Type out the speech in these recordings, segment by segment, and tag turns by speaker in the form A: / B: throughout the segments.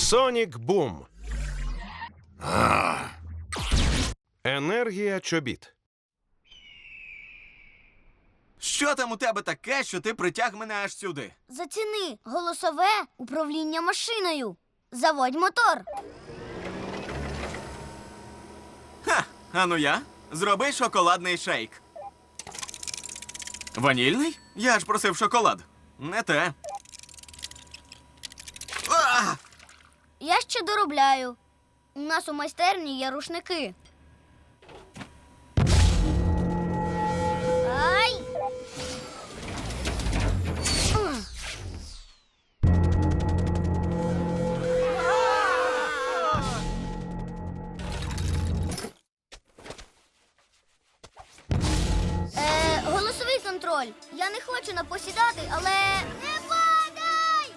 A: Сонік Бум. Енергія чобіт.
B: Що там у тебе таке, що ти притяг мене аж сюди?
C: Заціни голосове управління машиною. Заводь мотор.
B: Ха, ану я. Зроби шоколадний шейк. Ванільний? Я ж просив шоколад. Не те. А!
C: Я ще доробляю. У нас у майстерні є рушники. Ай! Голосовий контроль. Я не хочу напосідати, але... Не падай!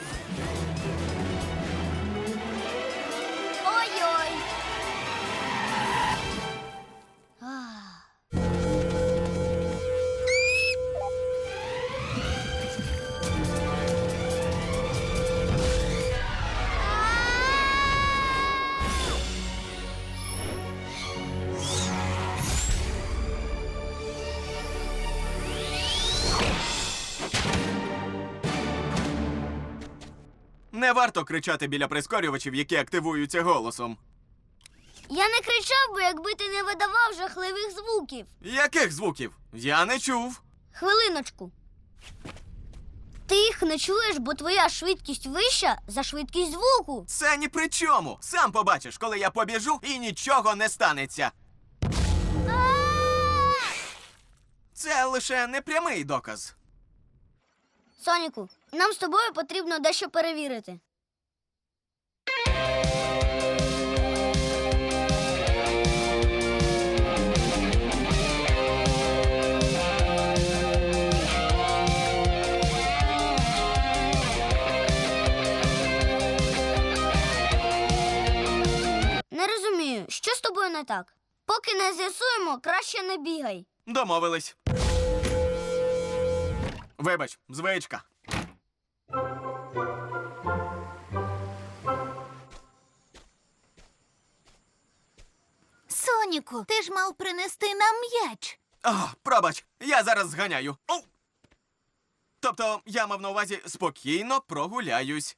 C: Ой-ой!
B: Не варто кричати біля прискорювачів, які активуються голосом.
C: Я не кричав би, якби ти не видавав жахливих звуків.
B: Яких звуків? Я не чув.
C: Хвилиночку. Ти їх не чуєш, бо твоя швидкість вища за швидкість звуку.
B: Це ні при чому. Сам побачиш, коли я побіжу і нічого не станеться. Це лише непрямий доказ.
C: Соніку, нам з тобою потрібно дещо перевірити. Не розумію, що з тобою не так? Поки не з'ясуємо, краще не бігай.
B: Домовились. Вибач, звичка.
D: Соніку, ти ж мав принести нам м'яч.
B: О, пробач, я зараз зганяю. Оу! Тобто, я мав на увазі спокійно прогуляюсь.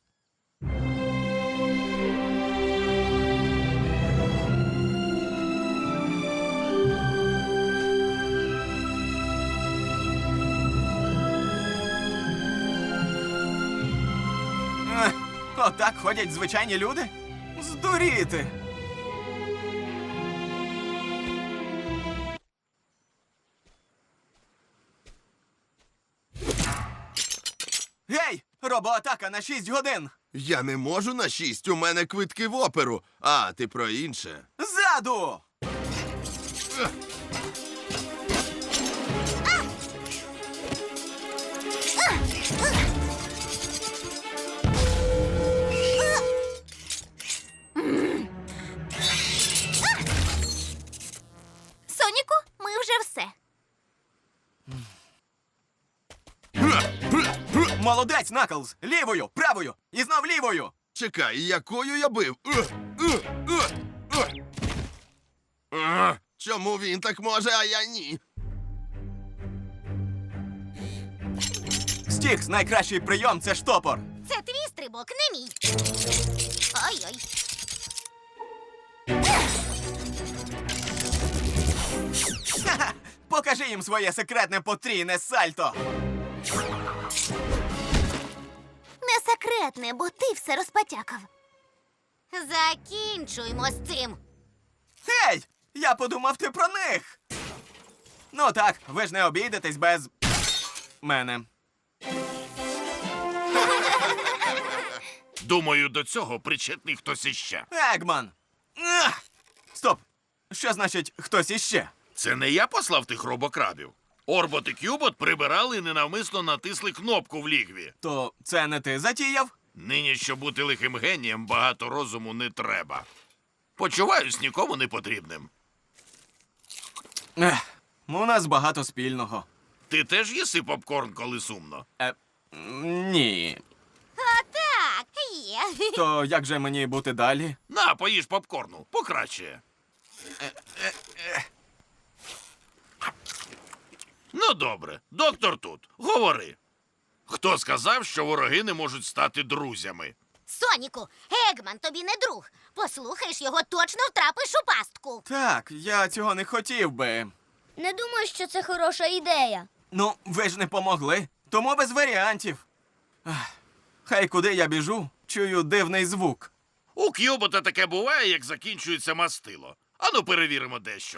B: Отак ходять звичайні люди? Здуріти! Гей! Робоатака на 6 годин!
E: Я не можу на 6, у мене квитки в оперу. А, ти про інше.
B: Ззаду!
D: Соніку, ми вже все.
B: Молодець, Наклз! Лівою, правою і знов лівою!
E: Чекай, якою я бив? Чому він так може, а я ні?
B: Стікс, найкращий прийом – це штопор.
D: Це твій стрибок, не мій. Ой-ой.
B: Ха-ха! Покажи їм своє секретне потрійне сальто!
D: Не секретне, бо ти все розпотякав. Закінчуймо з цим.
B: Гей! Я подумав, ти про них! Ну так, ви ж не обійдетесь без... мене.
F: Думаю, до цього причетний хтось іще.
B: Егман! Ах! Стоп! Що значить «хтось іще»?
F: Це не я послав тих робокрадів. Орбот і Кюбот прибирали і ненавмисно натисли кнопку в лігві.
B: То це не ти затіяв?
F: Нині, щоб бути лихим генієм, багато розуму не треба. Почуваюсь нікому не потрібним.
B: Ех, у нас багато спільного.
F: Ти теж їси попкорн, коли сумно?
B: Ні.
D: А так, є.
B: То як же мені бути далі?
F: На, поїж попкорну, покраще. Ну, добре, доктор тут. Говори. Хто сказав, що вороги не можуть стати друзями?
D: Соніку, Егман тобі не друг. Послухаєш його, точно втрапиш у пастку.
B: Так, я цього не хотів би.
C: Не думаю, що це хороша ідея.
B: Ну, ви ж не помогли, тому без варіантів. Хай куди я біжу, чую дивний звук.
F: У К'юбота таке буває, як закінчується мастило. Ану, перевіримо дещо.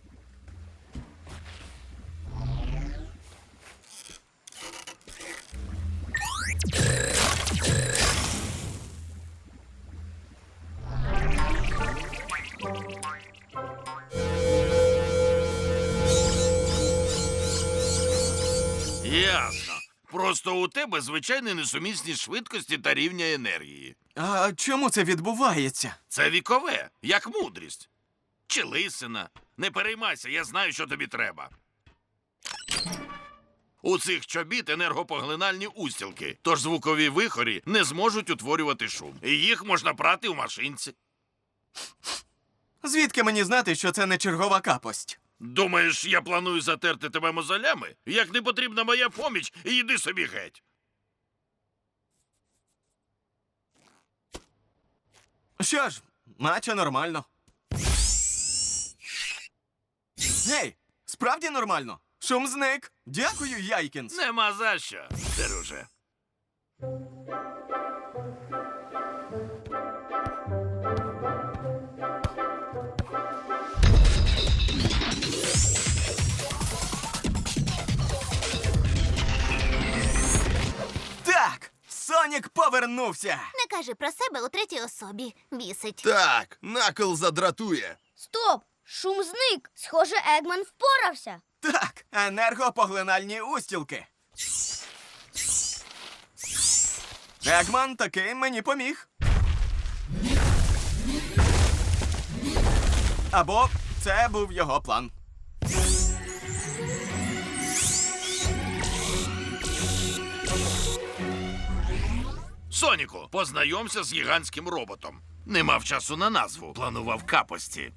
F: Ясно. Просто у тебе звичайні несумісні швидкості та рівня енергії.
B: А чому це відбувається?
F: Це вікове, як мудрість. Чи лисина. Не переймайся, я знаю, що тобі треба. У цих чобіт енергопоглинальні устілки, тож звукові вихорі не зможуть утворювати шум. І їх можна прати у машинці.
B: Звідки мені знати, що це не чергова капость?
F: Думаєш, я планую затерти тебе мозолями? Як не потрібна моя поміч, йди собі геть.
B: Що ж, наче нормально. Гей, справді нормально? Шум зник. Дякую, Яйкінс.
F: Нема за що, друже.
B: Так, Сонік повернувся.
D: Не кажи про себе у третій особі. Бісить.
E: Так, Накл задратує.
C: Стоп! Шум зник. Схоже, Егман впорався.
B: Так, енергопоглинальні устілки. Егман таки мені поміг. Або це був його план.
F: Соніку, познайомся з гігантським роботом. Не мав часу на назву, планував капості.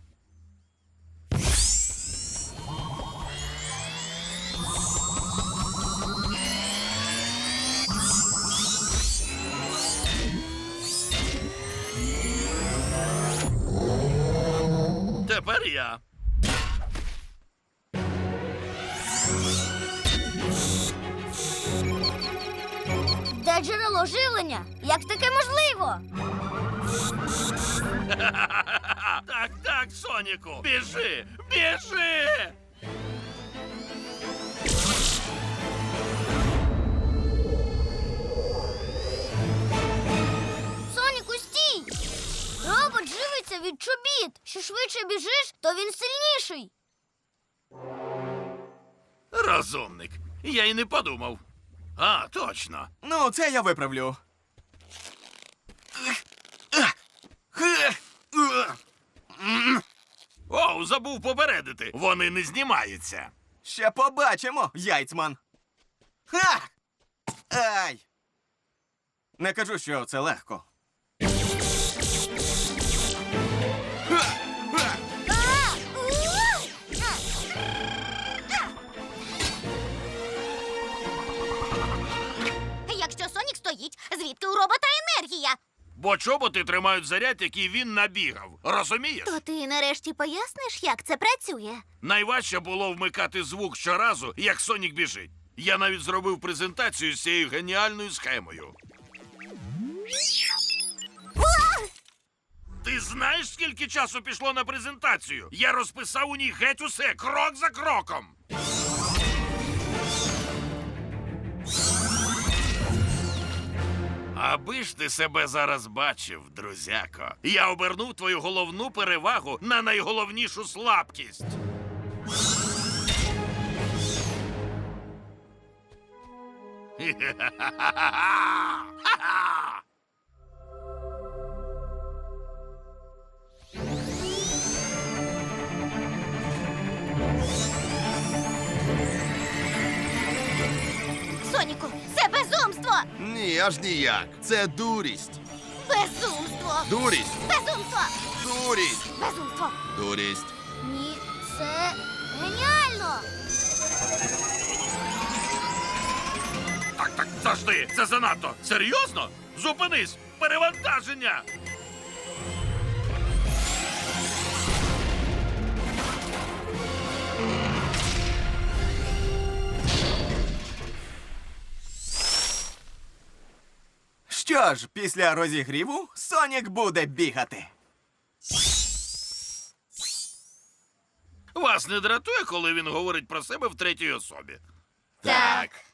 F: Тепер я.
C: Де джерело живлення? Як таке можливо?
F: Так, так, Соніку, біжи, біжи!
C: Соніку, стій! Робот живиться від чобіт. Що швидше біжиш, то він сильніший.
F: Розумник. Я й не подумав. А, точно.
B: Ну, це я виправлю.
F: Оу, забув попередити. Вони не знімаються.
B: Ще побачимо, Яйцман. Ха! Ай! Не кажу, що це легко.
D: Якщо Сонік стоїть, звідки у робота енергія?
F: Бо чоботи тримають заряд, який він набігав. Розумієш?
D: То ти нарешті поясниш, як це працює?
F: Найважче було вмикати звук щоразу, як Сонік біжить. Я навіть зробив презентацію з цією геніальною схемою. Ти знаєш, скільки часу пішло на презентацію? Я розписав у ній геть усе, крок за кроком. Аби ж ти себе зараз бачив, друзяко. Я обернув твою головну перевагу на найголовнішу слабкість. Ха-ха-ха-ха-ха!
D: Соніку, це безумство!
E: Ні, аж ніяк. Це дурість. Дурість!
D: Безумство!
E: Дурість!
D: Безумство!
E: Дурість!
C: Ні, це геніально!
F: Так, завжди. Це занадто. Серйозно? Зупинись! Перевантаження!
B: Що ж, після розігріву Сонік буде бігати.
F: Вас не дратує, коли він говорить про себе в третій особі?
D: Так.